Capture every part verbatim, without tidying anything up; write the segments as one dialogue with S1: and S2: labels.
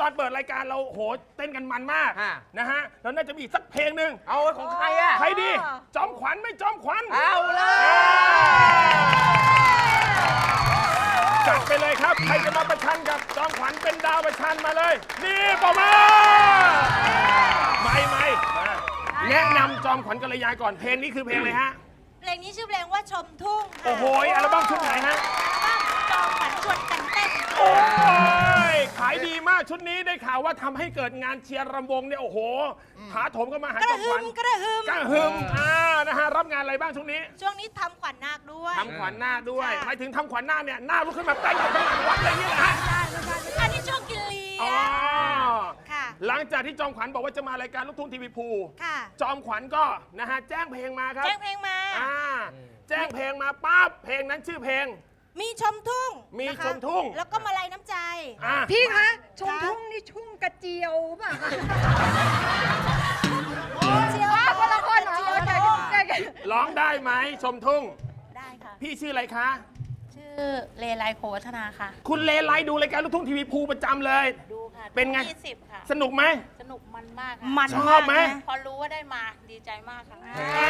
S1: อนเปิดรายการเราโหเต้นกันมันมาก
S2: อ่ะ
S1: นะฮะแล้วน่าจะมีอีกสักเพลงหนึ่ง
S2: เอาของใครอ่ะ
S1: ใครดี จอมขวัญไม่จอมขวัญ
S2: เอาเลย
S1: จัดไปเลยครับ ใครจะมาประชันกับจอมขวัญเป็นดาวประชันมาเลย นี่ปอมาไม่ไม่มาแนะนำจอมขวัญกัลยาก่อนเพลงนี้คือเพลงอะไรฮะ
S3: เพลงนี้ชื่อเพลงว่าชมทุ่งค่ะ
S1: โอ้โหอัลบั้มชุดไหนฮะ
S3: จอมขวัญชวนกันเต้น
S1: โอ้ยขายดีมากชุดนี้ได้ข่าวว่าทำให้เกิดงานเชียร์รำวงเนี่ยโอ้โหถาโถมก็มาหาก จ
S3: ระ
S1: อม
S3: หึ
S1: ขวัญ
S3: มกระหึม
S1: กระหึ่มอ่านะฮะรับงานอะไรบ้างช่วงนี้
S3: ช่วงนี้ทำขวัญนาคด้วย
S1: ทำขวัญหน้าด้วย
S3: ค่ะ
S1: หมายถึงทำขวัญหน้าเนี่ยหน้าลุกขึ้นมาเต้นกับข้างหลังวัดอะไรอย่างเงี้ยนะฮะ
S3: ใช่ไม่ใช่ไม่ใช่อันนี้ช่วงกินเลี้
S1: อ๋
S3: ย
S1: อง
S3: ค่ะ
S1: หลังจากที่จอมขวัญบอกว่าจะมารายการลูกทุ่งทีวีภู
S3: ค่ะ
S1: จอมขวัญก็นะฮะแจ้งเพลงมาครับ
S3: แจ้งเพลงมา
S1: อ่าแจ้งเพลงมาปั๊บเพลงนั้นชื่อเพลง
S3: มีชมทุ่ง
S1: มี
S3: นะคะ
S1: ชมทุ่ง
S3: แล้วก็มาลัยน้ำใจ
S1: อ่า
S4: พี่คะชมทุ่งนี่ชุ่งกระเจียวป่ะคะ
S3: เชียว
S4: ว้าคนละคนเหรอ
S3: เชียว
S4: ใจ
S3: โด
S4: ใจใจ
S1: ร้องได้ไหมชมทุ่ง
S5: ได้ค่ะ
S1: พี่ชื่ออะไรคะ
S5: ชื่อเลไลโควัฒนาค่ะ
S1: คุณเลไลดูรายการลูกทุ่งทีวีภูประจำเลย
S5: ดูค่ะ
S1: เป็นไง
S5: ยี่สิบค่ะ
S1: สนุกไหม
S5: สนุกมันมากค่ะ
S3: มัน
S1: ชอบไหม
S3: ากนะ
S5: พอรู้ว่าได้มาดีใจมากค่ะ
S1: อ่า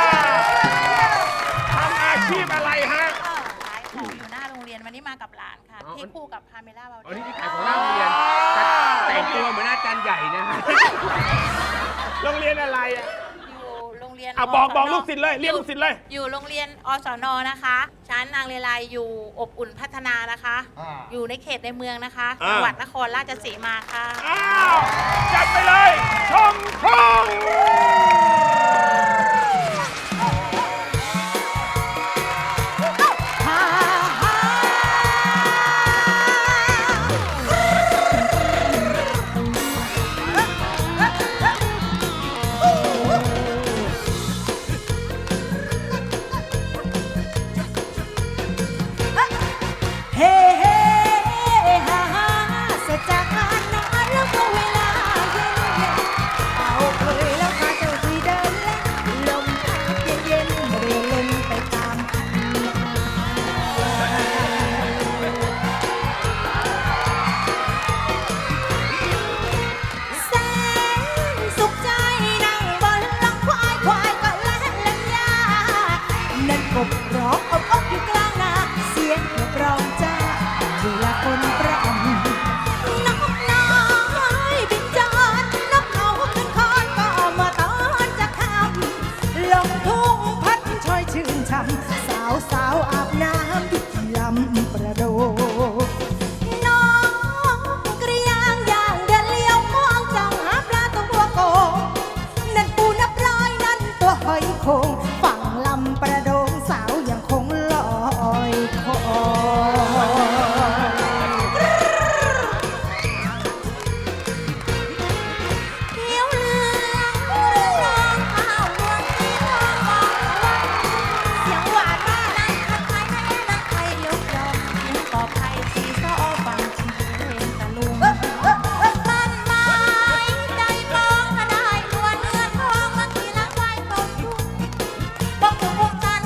S1: ทำอาชีพอะไรฮะ
S5: ก็ขายของอยู่หน้าโรงเรียนวันนี้มากับหลานค่ะ
S2: อ๋อ
S5: ที่คู่กับพาเมล่าเบล
S2: อันนี้ที่ขายของหน้าโรงเรียนแต่งตัวเหมือนอาจารย์ใหญ่นะฮะ
S1: โรงเรียนอะไรอ่ะ
S5: อยู่โรงเรียน
S1: อ่ะบอก
S5: สน
S1: บอกลูกศิษย์เลยเรียกลูกศิษย์เลย
S5: อยู่โรงเรียนอสนนะคะ ชั้นนางเลไลอยู่อบอุ่นพัฒนานะคะ อยู่ในเขตในเมืองนะคะ
S1: อ่า
S5: จังหวัดนครราชสีมาค่ะ
S1: อ้าวจัดไปเลยชมทุ่ง
S3: เฮ้เฮ้ฮ่าฮ่าเสร็จจากงานนอนแล้วก็เวลาเย็นเย็นเอาเคยแล้วพาเจ้าคุยเดินเล่นลมพัดเย็นเย็นเรื่อยเล่นไปตามคันแสนสุขใจนั่งบนหลังควายควายก็เล่นเล่นยานั่นกบร้องอบอบอยู่กลางนาเสียงกร้องจ้าเวลาคนประอมนกน้อยบินจรนกเขาขึ้นคอนก็มาตอนจะคำลงทุ่งพัดช่อยชื่นช่ำสาวสาวอาบน้ำที่ลำประโดน้องกระยางย่างเดินเลี้ยวมองจ้องหาปลาตัวโกงนั่นปูนับร้อยนั่นตัวหอยโขงฝั่งลำประโดงสาวยังคงลอยคอเขียวเหลืองเรื่องข้าวรวงที่ทองมองวัน เสียงหวานมากนั่งคัดไทยแม่นั่งไทยยกดอกเสียงกอบไทยสีซ้อฟังชิเพลงตะลุงบ้านไม้ใจมองก็ได้นวลเนื้อทองมาขี่ลังไว้ตรงทุ่งบอกถูกอกใจ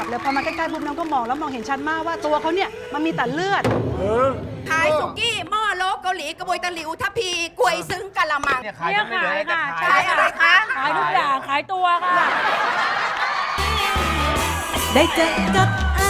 S6: แล้วพอมาใกล้ๆปุ๊บน้องก็มองแล้วมองเห็นชัดมากว่าตัวเขาเนี่ยมันมีแต่เลือด
S3: ขายสุกี้หม้อโลเกาหลีกระบวยตะหลิวทัพพีกล้วยซึ้งกะละมัง
S2: เนี่ยขายกันไม่เหลือจะขาย
S3: ขายอะไรคะ
S6: ขายทุกอย่างขายตัวค่ะ
S3: ได้เจอกับอา